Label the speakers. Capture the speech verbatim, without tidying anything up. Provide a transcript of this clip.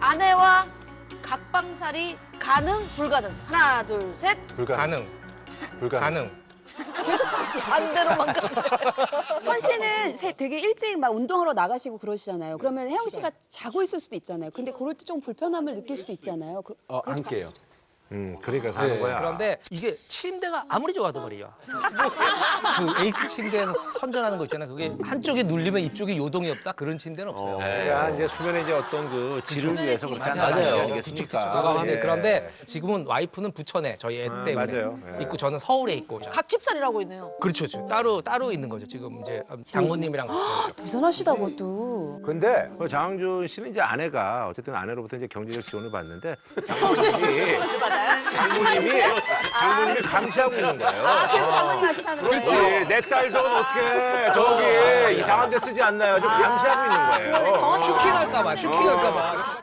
Speaker 1: 아내와 각방살이 가능, 불가능? 하나, 둘, 셋.
Speaker 2: 불가능.
Speaker 3: 가능.
Speaker 2: 불가능.
Speaker 3: 가능.
Speaker 1: 반대로만 가.
Speaker 4: 천 씨는 새- 되게 일찍 막 운동하러 나가시고 그러시잖아요. 그러면 혜영 씨가 자고 있을 수도 있잖아요. 근데 그럴 때 좀 불편함을 느낄 수도 있잖아요. 그,
Speaker 2: 어, 안
Speaker 4: 그렇게
Speaker 2: 깨요.
Speaker 3: 음, 그러니까 사는
Speaker 2: 네.
Speaker 3: 거야.
Speaker 5: 그런데 이게 침대가 아무리 좋아도 말이야. 그 에이스 침대에서 선전하는 거 있잖아. 그게 한쪽이 눌리면 이쪽이 요동이 없다. 그런 침대는 없어요.
Speaker 3: 그러니까 이제 수면에 이제 어떤 그 질을 위해서 그렇게
Speaker 5: 맞아요.
Speaker 3: 한다는
Speaker 5: 맞아요.
Speaker 3: 얘기 아니겠습니까?
Speaker 5: 공감합니다.
Speaker 3: 예.
Speaker 5: 그런데 지금은 와이프는 부천에 저희 애
Speaker 3: 아,
Speaker 5: 때문에
Speaker 3: 맞아요. 예.
Speaker 5: 있고 저는 서울에 있고.
Speaker 1: 각집살이라고 있네요.
Speaker 5: 그렇죠. 지금 따로 따로 있는 거죠. 지금 이제 장모님이랑 같이 살죠.
Speaker 4: 대단하시다 그것도.
Speaker 3: 근데 그 장항준 씨는 이제 아내가 어쨌든 아내로부터 이제 경제적 지원을 받는데 장모님이 장모님이 장모님이 감시하고 있는 거예요.
Speaker 4: 아, 그래서 장모님한테 사는 거예요?
Speaker 3: 그렇지. 내 딸 돈 어떻게 저기 이상한 데 쓰지 않나요? 좀 감시하고 있는 거예요.
Speaker 4: 그러네, 정확히
Speaker 5: 슈킹할까봐, 슈킹할까봐.